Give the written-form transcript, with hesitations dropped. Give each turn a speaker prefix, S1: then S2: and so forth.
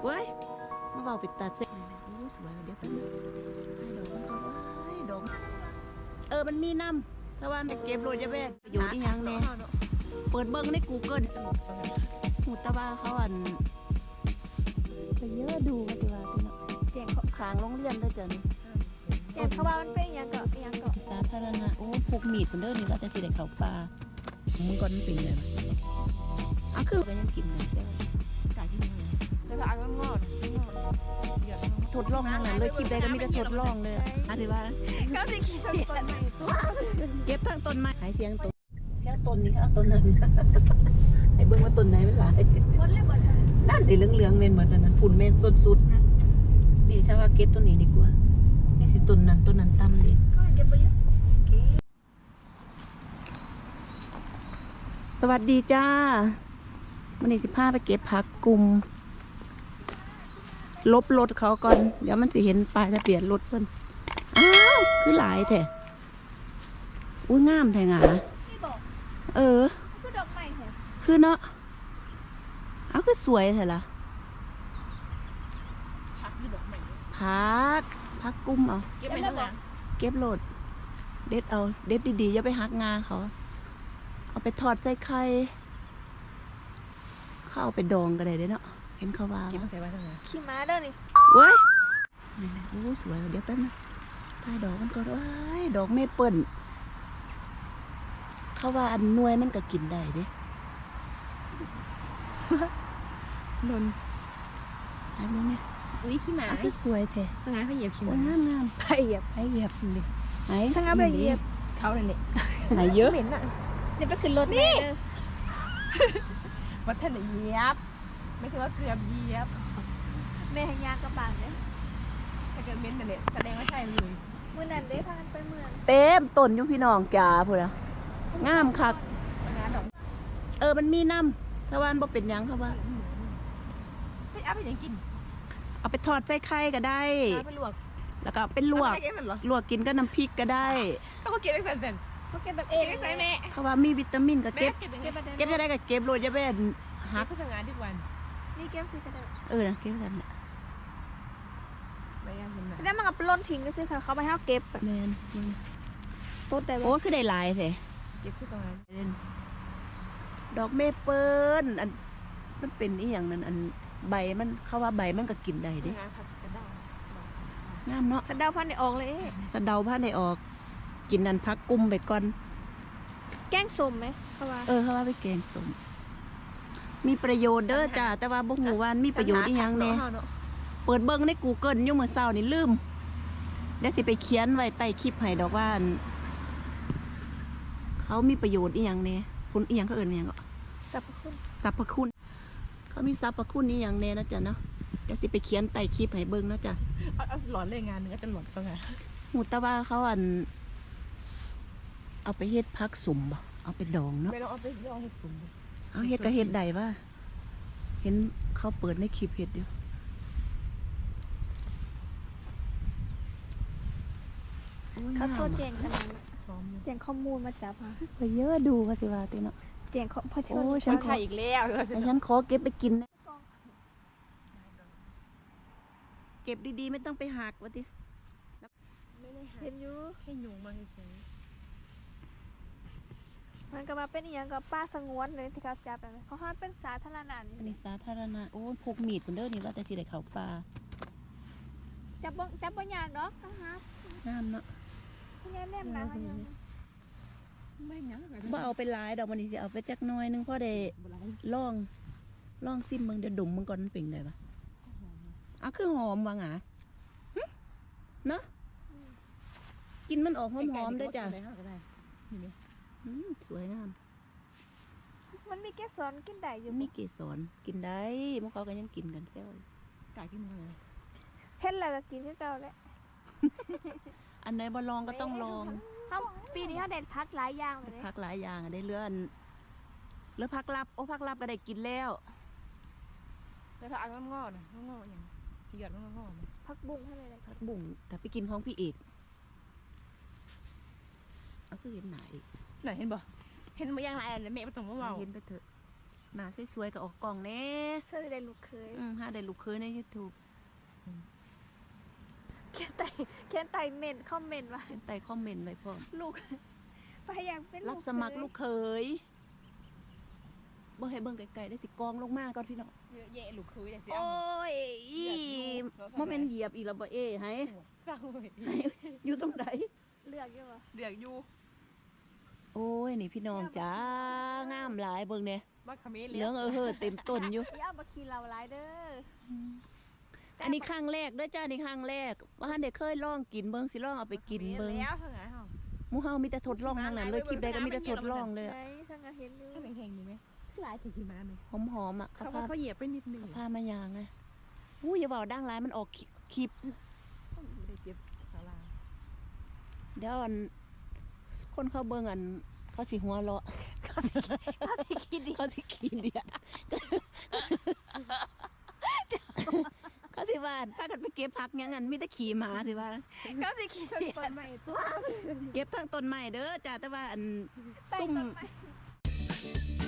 S1: เว้ยมาเบาปิดตาเซ็กรู้สวยเดี๋ยวไปให้ดอกมันมีน้ำตะวันไปเก็บโรยยาแบกอยู่ที่ยังเนี่ยเปิดเบิ้งใน Google หูตะวันเขาไปเยอะดูกันดีว่าพี่เนาะแจงขางโรงเรียนด้วยจ้ะนี่
S2: แจงเขาว่ามันเป็นยังเกาะ
S1: สาธารณะโอ้ผูกมีดคนเด้อนี่ว่าจะสิได้เข้าป่ามึงก่อนมันเป็นไงวะคือไปยังกินเลยไก่ที่มึง
S2: เลยพาอันงอด
S1: ทดลองนั่นแหละเลยคลิปใดก็มีแต่ทดลองเลยถือว่า
S2: ก็สิขี่ต้นไม้
S1: เก็บทั้งต้นไม้หายเสียงต้นแค่ต้นนี้ก็ต้นนั้นไอ้เบิ้งว่าต้นไหนมันหลายนั่นไอ้เหลืองๆเมนเหมือนตอนนั้นฝุ่นเมนสุดๆดีถ้าว่าเก็บต้นนี้ดีกว่าไม่สิต้นนั้นต่ำดิ
S2: ก็เก็บไปเยอะ
S1: สวัสดีจ้าวันนี้15ไปเก็บผักกุมลบรถเขาก่อนเดี๋ยวมันจะเห็นป้ายทะเบียนรถเพิ่นอ้าวคือหลายแท้อุ้ยงามแท้งา
S2: คือดอกไม้เหรอ
S1: คือเนาะเอาคือสวยแท้ล่ะผักกุมเอา
S2: เก็บไปแล้ว
S1: เก็บโหลดเด็ดเอาเด็ดดีๆอย่าไปหักงาเขาเอาไปทอดใส่ไข่เขาเอาไปดองก็ได้เนาะเห็นเขาว่า
S2: ขี่ม้าเด้อนี่
S1: เว้ยนี่นะโอ้สวยเดี๋ยวแป๊บนึงถ่ายดอกมันก่อนว้ายดอกเมเปิ้ลเขาว่าอันนวยมันก็กินได้เด้นนอันนี้เนี่ย
S2: อุ้ยขี่ม้า
S1: คือสวยแท้
S2: สง่าไปเหยียบขี่ม้
S1: างาม
S2: ไปเหยียบ
S1: เลยไหน
S2: สง่าไปเหยียบเขาเลยเนี่ย
S1: ไหนเยอะ
S2: เหม็นอ่ะเดี๋ยวไปขึ้นรถนี่วัดท่านเหยียบไม่ถือว่าเกือบเหยียบแม่แห่งยากระบาดเนี่ยถ้าเกิดเม้นแต่เนี่ยแสดงว่าใช่เลยเมื่อนั้นได้พากันไปเมือง
S1: เต็มต้นอยู่พี่น้องจ๋าพูดนะงามคักมันมีน้ำตะวันบ่เป็นยังครับว่า
S2: เอาไปยังกิน
S1: เอาไปทอดใส่ไข่ก็ได้
S2: ไปลวก
S1: แล้วก็เป็นลวกกินกับน้ำพริกก็ได้
S2: เขาเก็บไว้เสร็จเขาเก็บแบบเองใส่แม่
S1: เขาว่ามีวิตามินก็เก็บได้ก็เก็บโรยยาแบน
S2: หักทำงานทุกวันนี่เก็บซื้อกัน
S1: ได้นะเก็บกันแหละ
S2: ได้มันกับล้นทิ้งก็ซื้อค่ะเขาไปให้เก็บ
S1: แมน
S2: ต้นแต่
S1: โอ้คือได้ลายสิ
S2: เก็บขึ้นตรงนั้น
S1: ดอกเมเปิ้ลอันมันเป็นอีอย่างนั้นอันใบมันเขาว่าใบมันก็กินได้ดิงามเนาะ
S2: สะเดาพันในออกเลย
S1: สะเดาพันในออกกินนันพักกุ้มไปก่อน
S2: แกงสมไหมเขาว่า
S1: เขาว่าไปแกงสมมีประโยชน์เด้อจ้าแต่ว่าบุกหมู่วานมีประโยชน์อีหยังแน่เปิดเบิ้งใน Google ยุ่งมือเศร้านี่ลืมเดี๋ยวสิไปเขียนไว้ใต้คลิปให้ดอกว่าเขามีประโยชน์อีหยังแน่คุณอีหยังเขาเอิ้นอีหยังก็
S2: สรรพ
S1: คุณเขามีสรรพคุณอีหยังแน่นะจ๊ะเนาะเดี๋ยวสิไปเขียนใต้คลิปให้เบิ้งนะจ๊ะ
S2: หลอนเลยงานนึงก็จะหลอนก็ไง
S1: หูตะว่าเขาเอาไปเฮ็ดพักสุ่มบ่เอาไปดองเนาะ
S2: ไม่ต้องเอาไปดองเฮ็ดสุ่ม
S1: เอาเฮ็ดก็เฮ็ดได้ว่าเห็นเขาเปิดในคลิปเฮ็ดอยู่
S2: เขาโทษแจงขนาดแจงข้อมูลมาจับ
S1: ไปเยอะดูเขาสิว่าติเนาะ
S2: แจงพอเธอ
S1: ฉันขอ
S2: อีกแล้ว
S1: ฉันขอเก็บไปกินเก็บดีๆไม่ต้องไปหักวะติ
S2: ไม่ได้หักเห็นอยู่
S1: แค่ยุงมาเฉย
S2: มันก็มาเป็นอย่างกับป้าสงวนเลยที่เขาจับแบบเขาห้ามเป็นสาธารณะ
S1: อันนี้สาธารณะโอ้พกมีดคนเด้อนี่ว่าแต่สิได้เข้าป่า
S2: จับบ่ยากเนาะนะคะ
S1: น้ำเนาะ
S2: แนมนะ
S1: ไม่ยังบ่เอาไปหลายดอกมันนี่สิเอาไปจักน้อยนึงพอได้ลองซิมมึงเดี๋ยวดมมึงก่อนมันเป็นไงปะคือหอมว่ะงะเนาะกินมันออกหอมๆด้วยจ้ะสวยงาม
S2: มันมีเกสรกินได้อยู่
S1: มีเกสรกินได้พวกเขาก็ยังกินกันแค่ไก่ที่มือ
S2: เห็นแล้วก็กินที่เก่าแหละ
S1: อันไหนบ่ลองก็ต้องลอง
S2: ปีนี้เขาเด็ดพักหลายอย่างเลย
S1: พักหลายอย่างได้เลื่อนแล้วพักลับพักลับก็ได้กินแล้ว
S2: แต่ถ้าอันงอนะงออย่างหยอดงอพักบุ้งให้เลย
S1: พักบุ้งแต่ไปกินของพี่เอกคือเห็นไหน
S2: เห็นบ่เห็นมาอย่างไรแม่ไปตรงว่า
S1: เห็นไปเถอะหน้าสวยๆก็ออกกล่องแน่
S2: เสื้อได้ลูกเคย
S1: หาได้ลูกเคยใน YouTube
S2: แค่ไต่เมนคอมเมนต์ว่า
S1: ใต้คอมเมนต์ไว้พร้อม
S2: ลูกไปอยากเป็นลูก
S1: รับสมัครลูกเคยบ่ให้เบิ่งไกลๆได้สิกองลงมาก่อนพี่น้อง
S3: เยอะแยะลูกคุยแต่สิ
S1: โอ้ยบ่แม่นเหยียบอีกแล้วบ่เอ้ให้
S3: ฟังเลย
S1: ให้อยู่ตรงไหน
S2: เลือกอยู่วะ
S3: เดือดอยู่
S1: โอ้ยนี่พี่น้องจ้างามหลายเบิ่งเนี่ย
S3: บ้าคาเมน
S1: เหลืองเฮ้อเต็มต้นอยู่
S2: อย่าเอามาขี่เราหลายเด้อ
S1: อันนี้ครั้งแรกเด้วยจ้านี่ครั้งแรกว่าท่านได้เคยลองกินเบิ่งสิลองเอาไปกินเบิ่ง
S3: แล้วเท่าไหร่เฮา
S1: หมู่เฮามีแต่ทดลองทั้งนั้นเลยคลิปใดก็มีแต่ทดลองเลย
S2: ไหนทั้งอาเห็นอยู่
S3: ถ้าแข็งๆอยู่ไหมหลายถึงที่มาไหม
S1: หอมๆอ่ะ
S3: เขาว่าเขาเหยียบไปนิดนึง
S1: พามายางไงอู้อย่าบอกดังร้ายมันออกคลิป
S3: ไม่ได้เจ็บขาลา
S1: เดี๋ยวอันคนเขาเบิ่งอันเขาสิหัวเราะเขาสิขี้เดียดเขาสิขี้เดียดเขาสิว่าถ้ากันไปเก็บผักอย่างนั้นมีแต่ขี่หมาสิว่า
S2: ก็สิขี่ต้นใหม่ตัว
S1: เก็บทั้งต้นไม้เด้อจ้าแต่ว่าอัน
S2: ใต้
S1: ซุ่ม
S2: ต้นไม้